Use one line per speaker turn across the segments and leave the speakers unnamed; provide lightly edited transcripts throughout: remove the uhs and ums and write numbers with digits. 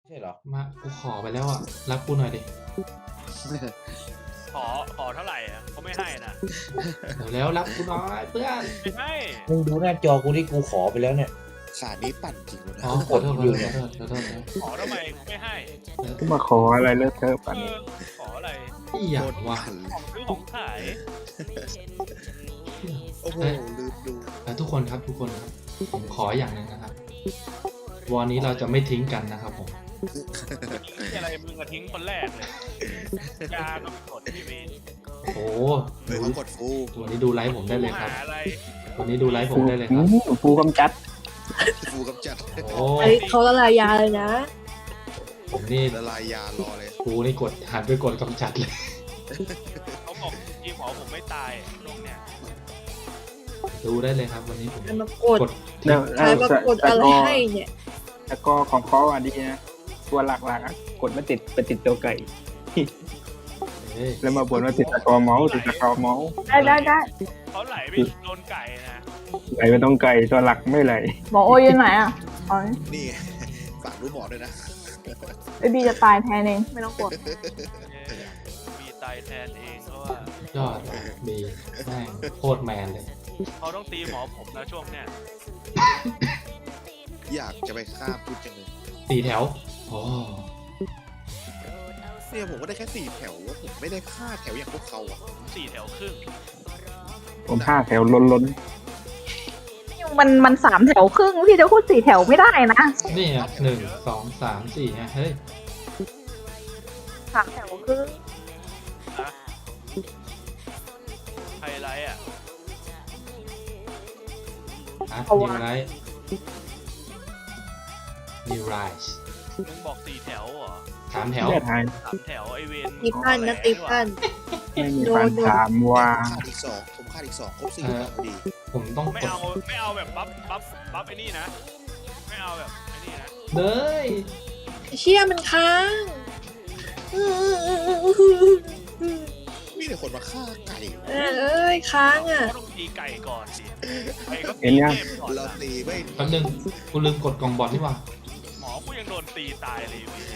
ใช่เหรอ
มากูขอไปแล้วอ่ะรับกูหน่อยดิ
ขอเท่าไหร่อ่ะเขาไม่ให้นะ
เดี๋ยวแล้วรับกูหน่อยเพื่อน
ไม่ให้
มึงดูหน้าจอกูที่กูขอไปแล้วเนี่ย
ขานี้ปั่นจริงเลย
อ๋อ
นะ
ขอโทษขอโทษขอโทษ
ขอทำไมไม่ให้
มาขออะไรเลอะเทอะปัน
ขออะไร
อีหยังวะ
ปั่นเลย
ซื้อของขาย
โอ้โหลืมดู
ทุกคนครับทุกคนครับผมขออย่างหนึ่งนะครับวันนี้เราจะไม่ทิ้งกันนะครับผม
ที่อะไรมึงอะทิ้งคนแรกเลยยาก็ไม่กดที่เมน
โอ้
เฮ้ย
ดู
เขากดฟู
วันนี้ดูไลฟ์ผมได้เลยครับ
หาอะไร
วันนี้ดูไลฟ์ผมได้เลยครับ
ฟูกำจัด
ฟูกำจัด
โอ้
เฮ้ยเขาละลายยาเลยนะ
ผมนี่
ละลายยารอเลย
กูนี่กดหันไปกดกำจัดเลย
เขาบอกทีมหมอผมไม่ตายตรงเนี้ย
ดูได้เลยครับ วันนี้ผม
ใครมากด
กด
แล้ว
ใครมากดอะไรให้เนี่ย
แล้วก็ของเขาอันนี้นะตัวหลักๆอะกดไม่ติดไปติดตัวไก่
เฮ้ย
แล้วมาบ่นว่าติดตะกอเมาส์ติดตะกอเมาส์
ได้
เขาไหลไปโดนไก่นะ
ไหลไม่ต้องไก่ตัวหลักไม่ไหล
หมอโออยู่ไหนอ่ะอ๋อ
นี่ไงฝากรู้หมอด้วยนะ
ไอบีจะตายแทนเองไม่ต้องกลัว
มีตายแทนเองเพราะว่าย
อดดีแม่งโคตรแมนเลย
เขาต้องตีหมอผมนะช่วงเนี้ย
อยากจะไปฆ่าพูดจังเลย
สี่แถวโอ้
เนี่ยผมก็ได้แค่4 แถวว่าผมไม่ได้ฆ่าแถวอย่างพวกเขาอ่ะ
4 แถวครึ่ง
ผมห้าแถวล้น
มันสามแถวครึ่งพี่จะพูดสี่แถวไม่ได้นะ
นี่อ่ะ1 2 3 4ไงเฮ้ย
สามแถวครึ่ง
ไฮไลท์อ่ะ
นิวไรท์นิวไรท์
มึงบอก4 แถวเหรอ
3 แถ
ๆ
ว
เลือดหาย
3 แถวไอเวน
ตีพันนะตีพัน
ไม่มีฟันถามว่า
ขาดอีก2ผมขาดอีก2ครบ4แล้วพอดี
ผมต้อง
ไม่
กด
เอาแบบบัฟไอ้นี่นะ ไม่เอาแบบไอ้นี่นะ
เลย
เชี่ยมันค้าง
มีแต่คนมาฆ่าไก่
เอ้ยค้างอ่ะ
ก็ต้องตีไก่ก่อนสิไก่ก็
เห็นยัง
กมก่อน
เรา
นะ
ตีไม่
แป๊บนึงกูลืมกดกล่องบอลนี่หว่า
หมอกูยังโดนตีตายเลยพี่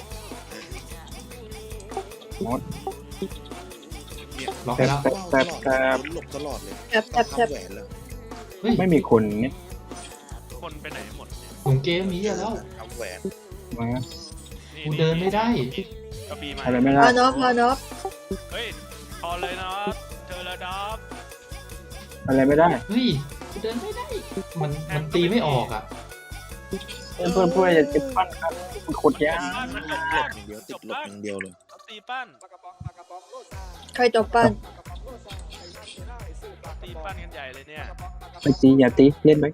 หมด
เนี่ย
ล็อกไปแล้ว
ว้าวตลอดหลบตลอดเลย
แอบแอบแอบ
ทำแหวนเลย
เฮ้ย
ไม่มีคนเนี่ย
คนไปไหนหมดเนี่ย
ผมเกมมีเยอะแล้ว
ทำแหวน
มา
กูเดินไม่ได้
กระบี่มา
อะไรไม่ได้
พานอฟพานอฟ
เฮ้ยพอเลยนะเจอแล้วดับ
อะไรไม่ได้
เฮ้ยกูเดินไม่ได้ มันตีไม่ออกอ่ะ
เพื่อนอย่าติดปั้นครับมันขดยาก
บ้านมันจบ
หลบอย่างเดียวติดหลบอย่างเดียวเลย
เอาตีปั้น
ใครต่อปั้น
ตีปั้นกันใหญ่เลยเนี่ย
ไม่ตีอย่าตีเล่นไหม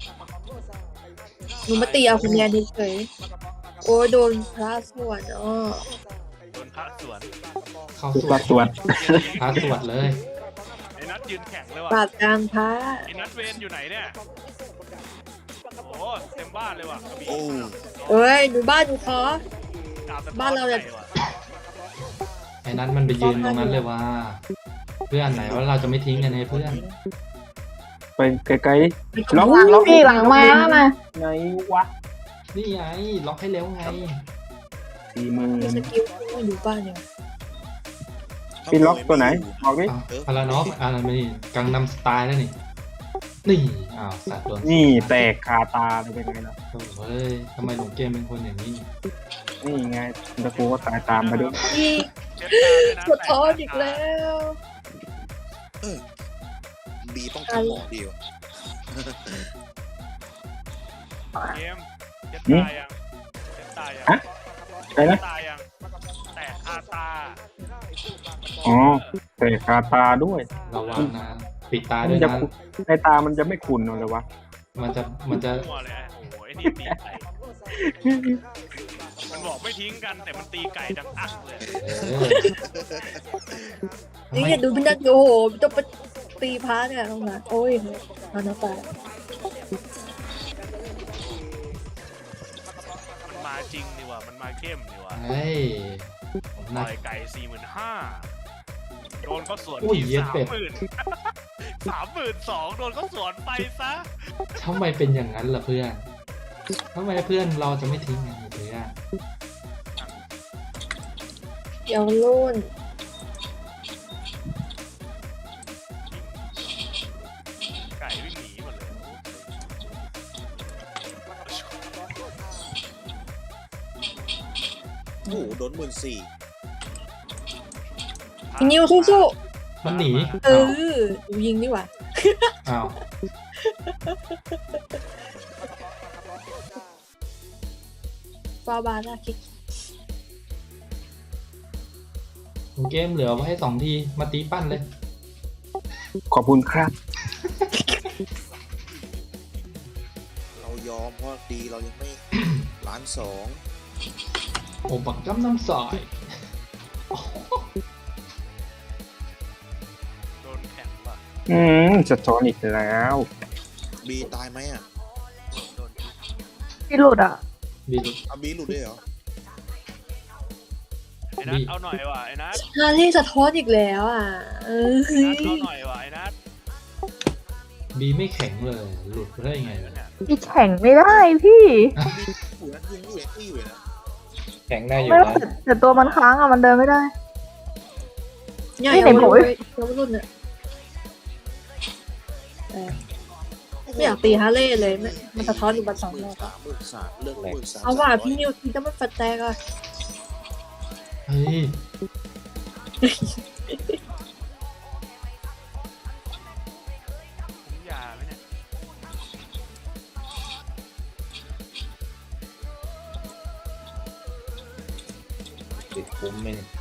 หนูมาตีเอาคุณยายเฉยๆโอ้ยโดนพระสวดอ๋อ
โดนพระสวน
เข้า
คือ
สว
ปั
ด
ดตรวจ
พาสวดเลย
ไอ้นัทยืนแข็งเลย
ป
ว่ะ
ราบกลางพระ
ไอ้นัทเวนอยู่ไหนเนี่ยโอ้เต็มบ้านเลยว่ะกระบี่
โอ้
เอ้ยดูบ้านดูคอ
ดบสะท้อ
บ้านเราเนี่ย
ใหญ่ว่ะ
ไอ้นั้นมันไปยืนตรงนั้นเลยว่า เพื่อนไหนว่าเราจะไม่ทิ้งกันให้เพื่อน
ไปไกลๆดิล็อก
หลัง
ล็อก
พี่หลังมาแล้วนะ
ไหนวะ
นี่ไงล็อกให้เร็วไง
40,000
มีสกิลที่อยู่บ้านเนี่ย
พี่ล็อกตัวไหนบอกดิ
พารานอฟอะไรไม่นี่กังนำสไตล์แล้วนี่ นี่อ้าวสัตว์โดน
นี่แตกคาตาเลยเป็นไงล่ะ
โอ้เฮ้ยทำไมหลงเกมเป็นคนอย่างนี้
นี่ไงตะกูก็ตายตามมาด้วย
นี่
เช็ดตาด้วยนะ
ปวดท้องอีกแล้ว
บีต้องทำหมอดีวะ
เกมเช็ดตายังเช็ดตายัง
อะไรนะ
ตายังแตกคาตา
อ๋อแตกคาตาด้วย
ระวังนะ ปิดตา
มั
ด้วย
นจะ
นะ
ในตามันจะไม่ขุ่นเลยวะ
มันจะ
มั่วเลยอะโอ้โหไอ้นี่ตีไก่มันบอกไม่ทิ้งกันแต่มันตีไก่ดังอักเลย
เออทำ
นี่
ไม
อย่าดูมันนะโอ้โหต้องไปตีพระเนี่ยตรงนั้นโอ้ยพานอฟตาย
มันมาจริงนี่ว่ะมันมาเข้มนี่ว่ะ
เฮ้ยผม
ป
น่า
ล่อยไก่45,000โดนก็สวน
อุ้ย
ที
เย็ดเป็ด
32,000โดนก็สวนไปซะ
ทำไมเป็นอย่างนั้นล่ะเพื่อนทำไมเพื่อนเราจะไม่ทิ้งกันเพื่อน
เดี๋ยวรุ่น
ไก่วิ่งหนีหมดเลย
โอ้โหโดน14,000
พี่นิวสู้
มันหนี
ๆเออหนูยิงดีกว่า
อ้าว
ฟาบาน่าคิก
เกมเหลือไว้ให้2 ทีมาตีปั้นเลย
ขอบคุณครับ
เรายอมเพราะดีเรายังไม่ ล้านสอง
โอ้บักจ้ำน้ำสาย
โดนแข็งป่ะ
สะท้อนอีกแล้ว
บีตายไหมอ่ะ
โดน
พี่หลุดอ่ะ
บี
เอาบีหลุดด้วยเหรอ
ไอ้นัทเอาหน่อยว่ะไอ้นัท
ฮาเล่สะท้อนอีกแล้วอ่ะเออ
นัทเอาหน่อยว่ะไอ้นัท
บีไม่แข็งเลย หลุดไปได้ยังไงวะ
เนี่ย
พี่แข่งไม่ได้พี่
อยู่นะยังอยู่ที่อยู่นะ
แข็งได้อยู่
ไม่ได้
นะ
แต่ตัวมันค้างอ่ะมันเดินไม่ได้
เนี่ย
นี่
เยาว
ไหนบอก
รุ่น
ว่า
เยาวรุ่นเนี่ยไม่อยากตีฮาเล่เลยมันสะท้อนอยู่บนสองรอบ
13,000เรื่อง13,000
เอาว่าพี่นิวทีจะมันฟัดแตกอ่ะ
เฮ้ย
ผมยาไหมเนี่ย
ติดคุ้มไหมเนี่ย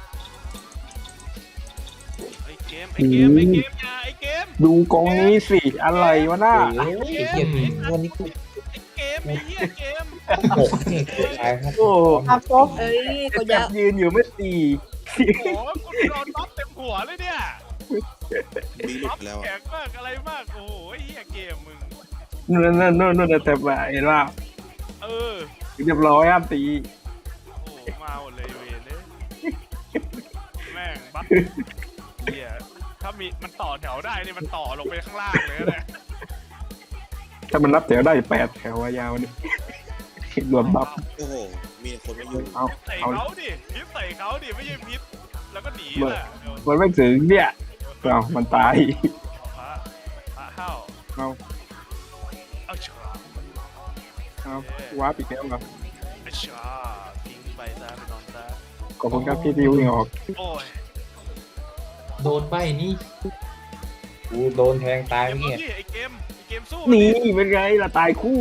ไอ้เกมไอ้เกมไอ้เกมยาไอ้เกม
ดูกองนี้สิ อะไรวะหน้า
โอ้ยไอ้เหี้ยวันนี้กู
ไอ้เกมไอ้เหี้ยเกม
หกนี่เกือบตายครับ
โอ้
อาโฟก
เอ้ยก็
แบ
ยา
บยืนอยู่ไม่ตี
โอ้โหกูโดนน็อตเต็มหัวเลยเนี่ย
บีหลุ
น็อ
ด
ต
แล้ว
แข็
อะ
งมากอะไรมากโอ้โหไอ้เหี้ยเกมมึง
นู่นแต่ว่าเห็นว่า
เออ
เรียบร้อยอ่ะตี
โอ้โหมาหมดเลยเวรเลยแม่งบัฟเหี้ยถ้ามีมันต่อแถวได้นี่มันต่อลงไปข้างล่างเลยนะเนี่ย
ถ้ามันรับแถวได้8 แถวอะยาวนี่รวมบัฟ
โอ้โหมีคนมาอยู่
เอา
ใส่
เอา
เขาดิพิษใส่เขาดิไม่ใช่พิษแล้วก็หนีแหละเดี๋ยว
มันไม่ถึงเนี่ยเอามันตาย
พระเข้า
เอา
เอาชา
เอาว้าปีกแล้วเหรอ
เอาชาทิ้งไปซะไปนอนซะ
ขอบคุณครับพี่ดิวยังออก
โอ้ย
โดนใบนี่
กูโดนแทงตาย
เกม
เมื่อกี้
นี่ไอ้เกมสู้
นี่เป็นไงล่ะตายคู่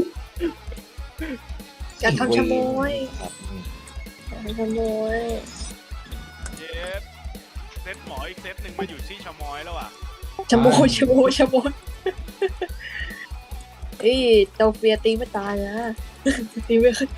จะทำชะโมย
ครับ
ขโมย
เจ็บเซตหมออีกเซตหนึ่งมาอยู่ที่ชะมอยแล้วอ่ะ
ชะโมยชะโมยชะโมยเอ้ยเตาเฟียตีไม่ตายนะตีไม่ขึ้น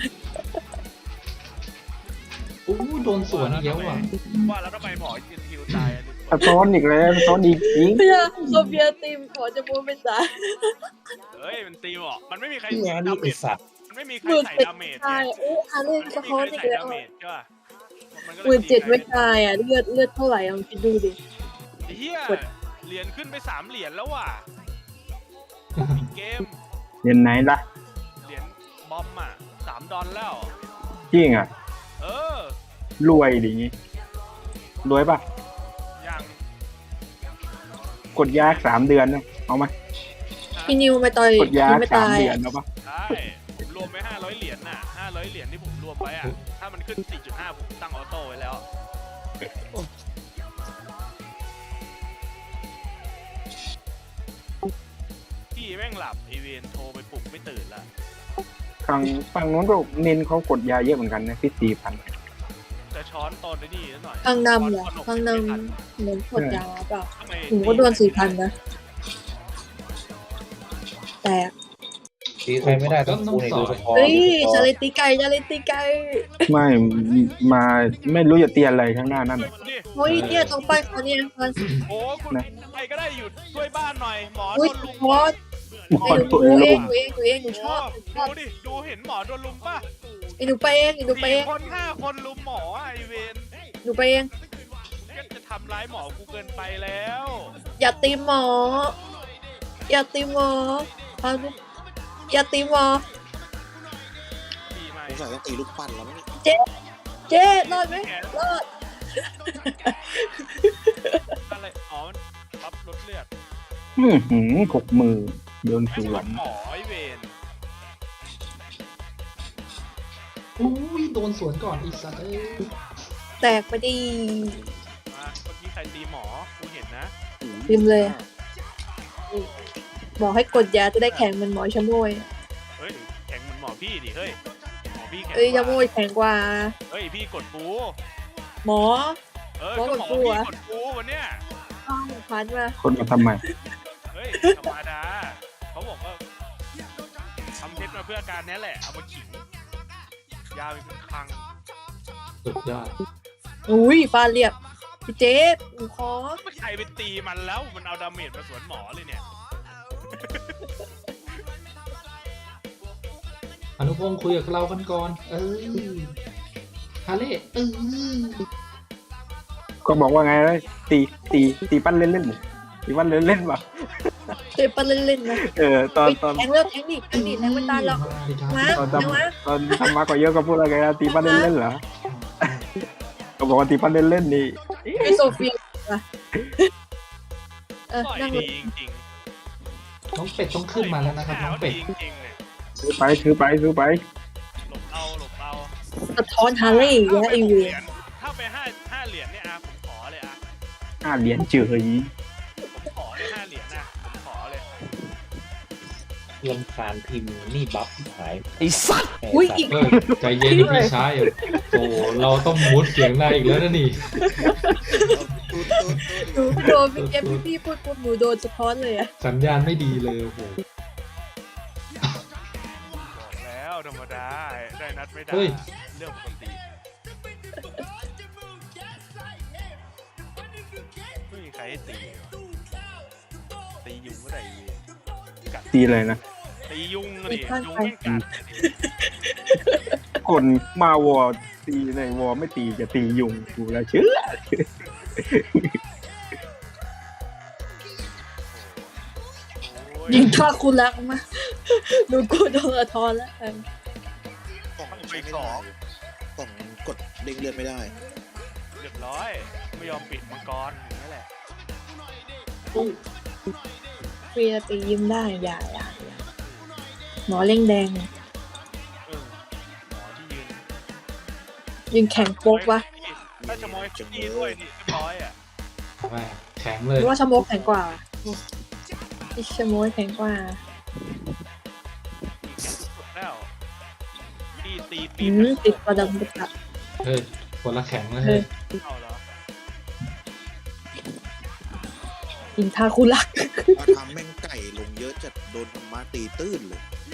อู้โดนสวนอีกแล้วว่ะ
ว่าแล้วทำไมหมอจินฮิวตายอันนี้
สะท้อนอีกแล้วสะท้อนอีกจริง
เพื่อเตาเฟียตีขอชะโมยไม่ตาย
เฮ้ยมันตีหมอมันไม่มีใคร
ที่งานนี่
ดาเม
ไอ
จ
สัตว์
มันไม่มีใคร
หมื่น
ใส่
เจ็ด
ดาเมจ
ตายโอ้ฮาเล่
มัน
สะ
ไม่มี
ท้อ
ใคน ร
อีก
ใส่
แล้ว
ดาเมจใช่ป่ะมันก็
หมื่นเจ็ดไม่
ตี
ตายอ่ะเลือดเท่าไหร่ลองคิดดูดิ
ไอ้เหี้ยเหรียญขึ้นไป3 เหรียญแล้วว่ะเกม
เห็นไหนล่ะ
เหรียญบอมอ่ะ$3แล้ว
จริงอ่ะ
เออ
รวยดิงี้รวยปะ
อย่าง
กดยาก3 เดือนนะเอาไหม
พี่นิวไม่ต่อย
กดยาก
ไม่
3
ตาย
เดือนเอาปะ
ใช่ผมรวมไป500 เหรียญน่ะ500 เหรียญที่ผมรวมไว้อ่ะถ้ามันขึ้น 4.5 ผมตั้งออโต้ไว้แล้วพี่แม่งหลับไอเวนโทรไปปลุกไม่ตื่นละ
ฝั่งนู้นก็เน้นเขากดยาเยอะเหมือนกันนะพี่4,000
จะช้อนตอนนี้หน่อย
ข้างนำเหรอ
ช้
ข้างน
ไม่ทั
ำเหมือนกดยาเปล่า
ทำไม
ผมก็โดน4,000นะแตก
ตีใครไม่ได้ต้องกูเนี่ยดูสะท้อน
เฮ้ย
ดูสะท้อน
ชาเลตีไก่ชาเลตีไก่
ไม่มาไม่รู้จะเตียนอะไรข้างหน้านั่น
ช่วย
น่ะ
กูดิ
เฮ้ยเนี่ยต้องไปเขาเนี่ยมัน
โอ้คุณใครก็ได้อยู่ช่วยบ้านหน่อยหมอโด
เฮ้ย
นลุม
พอส
หมอ
ไอ้ห
ตัว
นู
เอ
เอง
ง
หนูเองหนูชอบ
ดูดิดูเห็นหมอโดนลุมป่ะ
ไอ้หนูไปเองไอ้หนูไปเอง
4 คน 5 คนลุมหมอไอเวน
หนูไปเอง
ก็จะทำร้ายหมอกูเกินไปแล้ว
อย่าตีหมอ อย่าตีหมอพาลูกอย่าตีหมอ
ดีไหม
สงสัยต้องตีลูกปั้นแล้วมั้ง
เจ๊รอดไหมรอด
อะไรอ๋อมันปั๊บลดเลือด
60,000โดน
ไม่
ส
ใช่
วน
หมอไอเวน
อุ้ยโดนสวนก่อนอีสัตว์เอ้ย
แตกไปดี
มาเมื่อกี้ใครตีหมอกูเห็นนะ
พิมพ์เลย บอกให้กดยาจะได้แข็งเหมันหมอชะโมย
เฮ้ยแข็งเหมือนหมอพี่ดิเฮ้ยหมอพี่แข็ง
เอ้ย
ก
ชะโม
ว่าย
แข็งกว่า
เฮ้ยพี่กดปู
หมอ
ก็
หมอกด
หมอ
ปู
พี่
อะ
กดปูวันเนี้ย
พันมา
คนมาทำไม
เฮ้ยธรรมดาเขาบอกว่าทำเพชรมาเพื่อการนี้แหละเอามาขิงยาวเป็นคลัง
สุดยอด
อุ้ยฟาดเรียบพี่เจ๊หนูขอ
ไม่ใครไปตีมันแล้วมันเอาดาเมจมาสวนหมอเลยเนี่ย
อนุพงศ์คุยกับเรากันก่อน ฮาเล่
ก็บอกว่าไงเลยตีปั้นเล่นๆตีปั้นเล่นๆป่ะ
เจ๊ปันเล่นๆนะ
ตอน
แทงเลิกแทงดิแทงไม่ตายหรอก
ดีครับ
มา
ตอน
แทงมา
ทำมาก็เยอะก็พูดอะไรกันตีปั้นเล่นๆเหรอก็บอกว่าตีปั้นเล่นๆนี่
ไอโซเฟียว่ะ
ต่อย
นั่งเล
ดี
ย
จริง
น้องเป็ดต้องขึ้นมาแล้วนะครับน้องเป็ด
ดีจริงๆเนี่ย
ซื้อไป
หลบเอา
สะท้อนฮาร์เลย์อีกแล้วไอเวีย
ถ้าไปห้าเหรียญเนี่ยผมขอเลย
5 เหรียญเฉย
ผมขอเลย5 เหรียญผมขอเลย
ลำคาญพิมพ์นี่บัฟหาย
ไอ้สัตว์
อุ้ยอีก
ใจเย็นนะพี่ชายโอ้เราต้องมุดเสียงได้อีกแล้วนะนี่
หนูโดนพี่เก็บพี่พูดปุ๊บหนูโดนสะท้อนเลยอะ
สัญญาณไม่ดีเลยโอ้โห
บอกแล้วธรรมดาได้นัดไม่ได้
เฮ้ย
เรื่องปกติไม่มีใครให้ตีตียุงก็ได้กัด
ตีเลยนะ
ตียุงดิยุงไม่กัด
คนมาวอตีในวอไม่ตีจะตียุงกูแล้วเชื่อ
ยิงท่าคุณรักมาหนูกูโดนสะท้อนแล้ว
กล่องใช้ไม่ได้กล่องกดเด้งเลือดไม่ได้
เรียบร้อยไม่ยอมปิดมังกรอย่างนี้แหละ
เฟียตียิ้มได้อย่าหมอเล่งแดง
หมอที่ยืน
ยิงแข็งโป๊กวะ
ถ้าจะมอยที่ด้วยนี่เรียบร้อยอ่ะ
แม่แข็งเล
ห
ย
รือว่าชะโมกแข็งกว่าอิชะโมกแข็งกว่า
แข็งสุดแล้วที่ตีปี
ติดประดับประดับ
เฮ้ยคนละแข็งเลย
เฮ้
เฮ้
ย
ย
เอาเหรอ
ยิงท่าคุณรัก
มาทำแม่งไก่ลงเยอะจัดโดนธรรมะตีตื้นเลย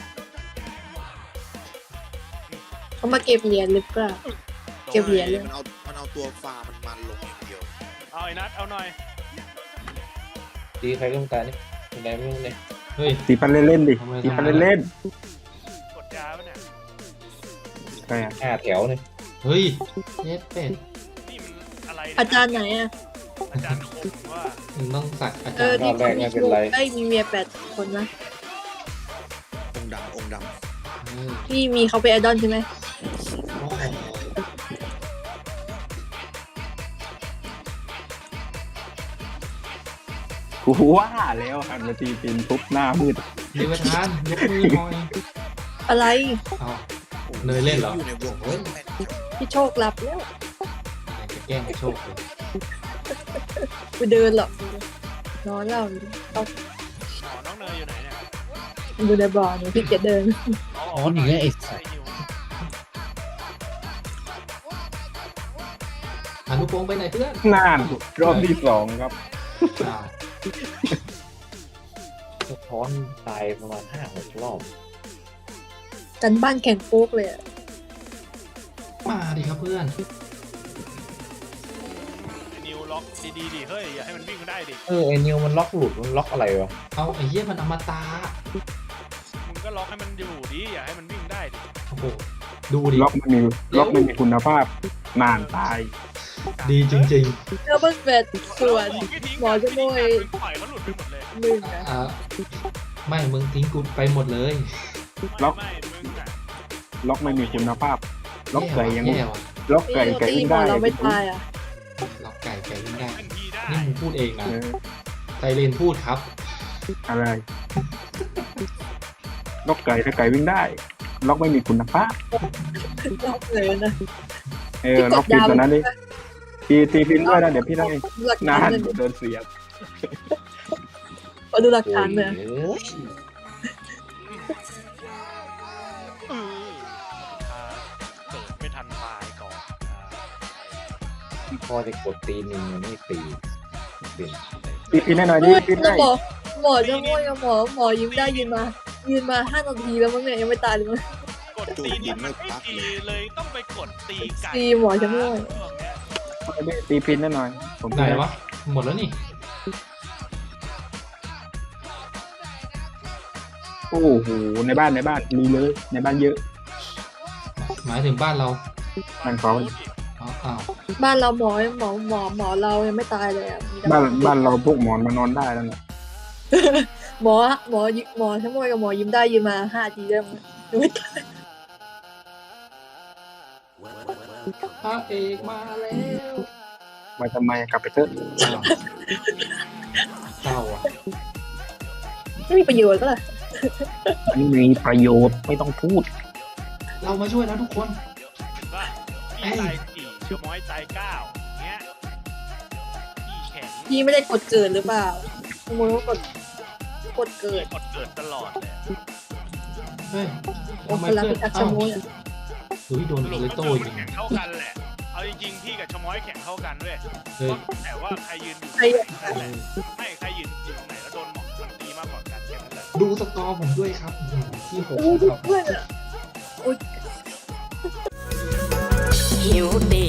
เขามาเก็บเหรียญหรือเปล่า เก็บเหรียญเลย
มันเอาตัวฟามันลงอย่างเดียว
เอาไอ้นัดเอาหน่อย
ตีใครก็ไม่ตายนี่ยังไงไม่รู้เนี่ย
เฮ้ย
ตีปั้นเล่นๆดิตีปั้นเล่น
กดยาปะเนี่ย
ๆใช่อะ
5 แถวเนี่ย
เฮ้ยเย็ดเป็ด
นี่มันอะไรเนี่ย
อาจารย์ไหนอ่ะ
อาจารย์คมว่า
มึงต้องสักอา
เอ
จาร
อ
ย์
ที่เขามีชูได้มีเมีย8 คนนะ
องค์ด
เออ
ที่มีเขาเป็นไอดอลใช่ไหม
โอ้โห
กูว่าแล้วหันมาตีปีนทุบหน้ามืด
ดีประธานยกมือหน่อย
อะไร
เอา
ำ
เนยเล่นเหรอ
อยู่ในวงเล่นแม่น
พี่โชคหลับแล้ว
จะแกล้งให้โชคเลย
กูเดินหรอกนอนแล้วต้อง
หมอน้องเนยอยู่ไหนเนี่ย
อยู่ในบ่อหนูพี่เกียจเดิน
อ๋อนี่ไงไอ้สัตว์
อนุพงศ์ไปไหนเพื่อน
นานรอบที่ 2 ครับ
อ้าว
สะท้อนตายประมาณ 5-6 รอบ
กันบ้านแข่งโป๊กเลยอะ
มาดิครับเพื่อน
ไอ้นิวล็อกดีๆดิเฮ้ยอย่าให้มันวิ่งได้ดิ
ไอ้นิวมันล็อกหลุดมันล็อกอะไรวะ
เอาไอ้เหี้ยมันอมตะ
มึงก็ล็อกให้มันอยู่ดิอย่าให้มันวิ่งได้ดิ
โอ้โหดูดิ
ล็อกไม่มีคุณภาพนานตาย
ดีจริง
เจ้าเบิ้ลเฟดส่วน หมอจะโมย
ปล่อยเขาหลุดไปหมดเลย
มึง
ๆ
นะ
ไม่มึงทิ้งกูไปหมดเลย
ล็อก
ไม่มึงน่ะ
ล็อกไม่มีคุณภาพ ล็อกไก่ยัง
แย่ว่ะ
ล็อก
พี่
ไก่
โร
ไก่
ตี
ขึ้น
หมอ
ได้
เราไม่ตายอ่ะ
ล็อกไก่วิ่งได้
เป็นทีได้
นี่มึงพูดเองนะ
เออ
ไซเรนพูดครับ
อะไรล็อกไก่ถ้าไก่วิ่งได้ ล็อกไม่มีคุณภาพ
รอบเลยนะ
ล็อกผิดตัวนั้นดิตีพินด้วยนะเดี๋ยวพี่ได้
หลัก
นา
ฐาน
น
เลย
โดนเสียบ
ขอดูหลักฐานเลย
โอ้ย
เกิดไม่ทันตายก่อน
พอจะกดตีหนึ่งยังไม่ตีเป็น
ตีพินให้หน่อยดิพิน
แล้ว
ให้
หมอจะง่วยกับหมอยิ้มได้ยืนมา5 นาทีแล้วมั้งเนี่ยยังไม่ตายเลยมั้ง
กดตีนี่มันไม่ดีเลยต้องไปกดตีไก่
ตีหมอจะง่วย
ตีพินให้หน่อย ผม
ไหนวะ หมดแล้วนี่
โอ้โหในบ้านมีเลยในบ้านเยอะ
หมายถึงบ้านเรา
บ้านเขา
อ้าว
บ้านเราหมอเรายังไม่ตายเลยอ่ะมีแต่
บ้านเราพวกหมอนมานอนได้แล้วเนี่ย
หมอทั้งหมดกับหมอยิ้มได้ยืนมา5 นาทีแล้วมั้งยังไม่ตาย
พระเอกมาแล้ว
มาทำไมกลับไปเถอะ
อ้าวเศร้าอ่ะ
ไม่มีประโยชน์ก็เลย
ไม่มีประโยชน์ไม่ต้องพูด
เรามาช่วยแล้วทุกคน
ว่าพี่ตาย4ชั่วโมงตาย9เงี้ยพี่แข็ง
พี่ไม่ได้กดเกิดหรือเปล่าขโมยว่ากดเกิด
กดเกิดตลอดเลย
เฮ้ย
โอ้
ทำไม
พลัง
เพื่อน
พิทักษ์ชะ
อ้าว
โมยอะ
เฮ้ยโดน
สรุป
เล
ก็
โต้
คือ
ยิ
มัน
ง
แข่งเท่ากันแหละ เอาจริงๆพี่กับชะม้อยแข่งเท่ากันเว้ย
เฮ้ย
แต่ว่าใครยืนอยู่
ใคร
นั่นแหละไม่ใครยืนอยู่ไหนแล้วโดนหมอกมันตีมากกว่ากันแค่นั้นแหละ
ดูสกอร์ผมด้วยครับที่6
โอ้ย
ครับ
เพื่อนอะโอ้ย
หิวตี